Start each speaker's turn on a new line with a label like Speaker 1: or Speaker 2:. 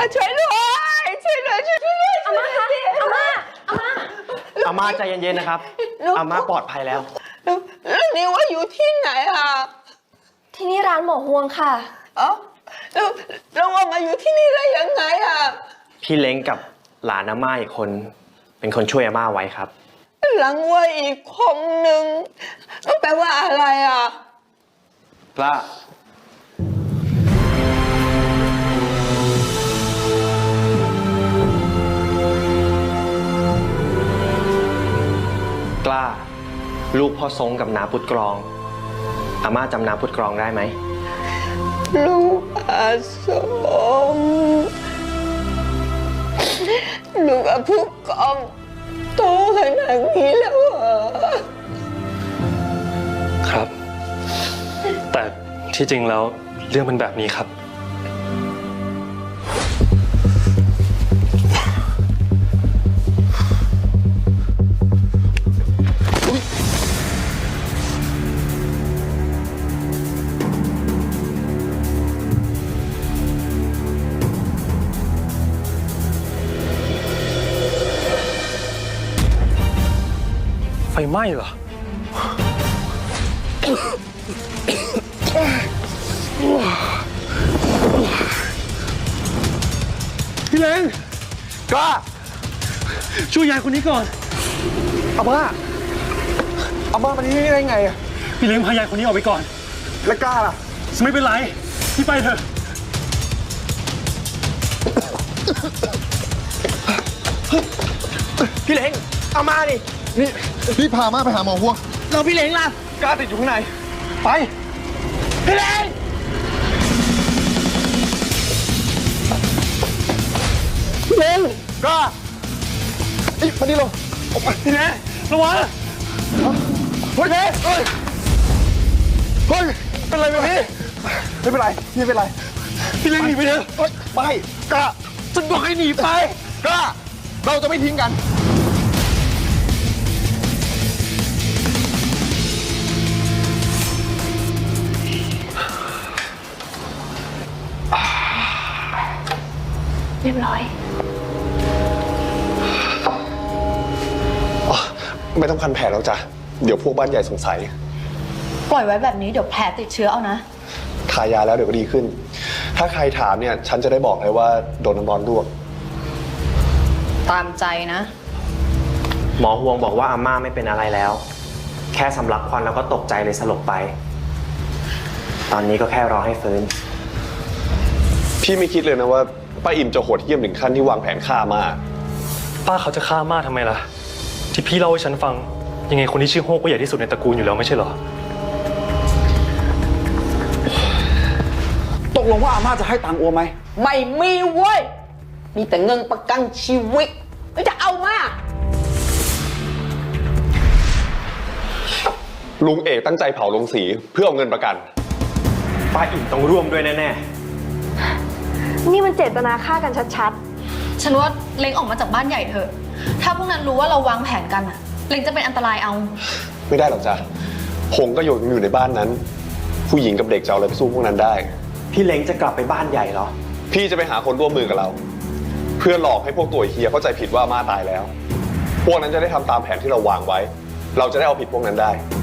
Speaker 1: ช่วยด้วยช่วยด้วยอาม่าคะ
Speaker 2: อาม่าใจเย็นๆนะครับอาม่าปลอดภัยแล้ว
Speaker 1: แล้วนี่ว่าอยู่ที่ไหนอ่ะ
Speaker 3: ที่นี่ร้านหมอฮวงค่ะ
Speaker 1: แล้วว่ามาอยู่ที่นี่ได้ยังไงอ่ะ
Speaker 2: พี่เล้งกับหลานอาม่าอีกคนเป็นคนช่วยอาม่าไว้ครับ
Speaker 1: หลังว่าอีกคนหนึ่งต้องแปลว่าอะไรอ่ะ
Speaker 2: กล้า กล้าลูกพ่อทรงกับนาพุทธกรองอาม่าจำนาพุทธกรองได้ไหม
Speaker 1: ลูกอาสมลูกอาผู้กองโตขนาดนี้แล้วเหรอ
Speaker 4: ครับแต่ที่จริงแล้วเรื่องเป็นแบบนี้ครับไฟไหม้เหรอพี่เล้งกล้าช่วยยายคนนี้ก่อนอาม่ามาที่นี่ได้ไงอะพี่เล้งพายายคนนี้ออกไปก่อนแล้วกล้าล่ะไม่เป็นไรพี่ไปเถอะพี่เล้งอาม่าดิ
Speaker 5: นี่พี่พาม่าไปหาหมอฮวง
Speaker 2: เราพี่เล้งล่ะกล้าติดอยู่ข้างในไปพี่เล้งพี่เล้งกล้า
Speaker 5: มาดิลง
Speaker 2: ออกไปพี่เล้งระวัง
Speaker 5: เฮ้ยเฮ้ยเป็นไรไหมพี่ไม่เป็นไรไม่เป็นไร
Speaker 2: พี่เล้งหนีไปเถอะ
Speaker 5: ไม่กล้า
Speaker 2: ฉันบอกให้หนีไป
Speaker 5: กล้าเราจะไม่ทิ้งกัน
Speaker 3: เรียบร้อย
Speaker 5: ไม่ต้องพันแผลแล้วจ้ะเดี๋ยวพวกบ้านใหญ่สงสัย
Speaker 3: ปล่อยไว้แบบนี้เดี๋ยวแผลติดเชื้อเอานะ
Speaker 5: ทายาแล้วเดี๋ยวก็ดีขึ้นถ้าใครถามเนี่ยฉันจะได้บอกเลยว่าโดนน้ำร้อนลวก
Speaker 3: ตามใจนะ
Speaker 2: หมอฮวงบอกว่าอาม่าไม่เป็นอะไรแล้วแค่สำลักควันแล้วก็ตกใจเลยสลบไปตอนนี้ก็แค่รอให้ฟื้น
Speaker 5: พี่ไม่คิดเลยนะว่าป้าอิ่มจะโหดเหี้ยมถึงขั้นที่วางแผนฆ่าม่า
Speaker 4: ป้าเขาจะฆ่าม่าทำไมล่ะที่พี่เล่าให้ฉันฟังยังไงคนที่ชื่อโฮกก็ใหญ่ที่สุดในตระกูลอยู่แล้วไม่ใช่เหรอ
Speaker 6: ตกลงว่าอาม่าจะให้ตังค์อัวไหม
Speaker 1: ไม่มีเว้ยมีแต่เงินประกันชีวิตแล้วจะเอามา
Speaker 5: ลุงเอกตั้งใจเผาลงสีเพื่อเอาเงินประกัน
Speaker 2: ป้าอิ่มต้องร่วมด้วยแน่
Speaker 3: นี่มันเจตนาฆ่ากันชัดๆฉันว่าเล้งออกมาจากบ้านใหญ่เถอะถ้าพวกนั้นรู้ว่าเราวางแผนกันอะเล้งจะเป็นอันตรายเอา
Speaker 5: ไม่ได้หรอกจ้ะหงก็อยู่ในบ้านนั้นผู้หญิงกับเด็กจะเอาอะไรไปสู้พวกนั้นได้
Speaker 2: พี่เล้งจะกลับไปบ้านใหญ่เหรอ
Speaker 5: พี่จะไปหาคนร่วมมือกับเราเพื่อหลอกให้พวกตัวเฮียเข้าใจผิดว่าอาม่าตายแล้วพวกนั้นจะได้ทำตามแผนที่เราวางไว้เราจะได้เอาผิดพวกนั้นได้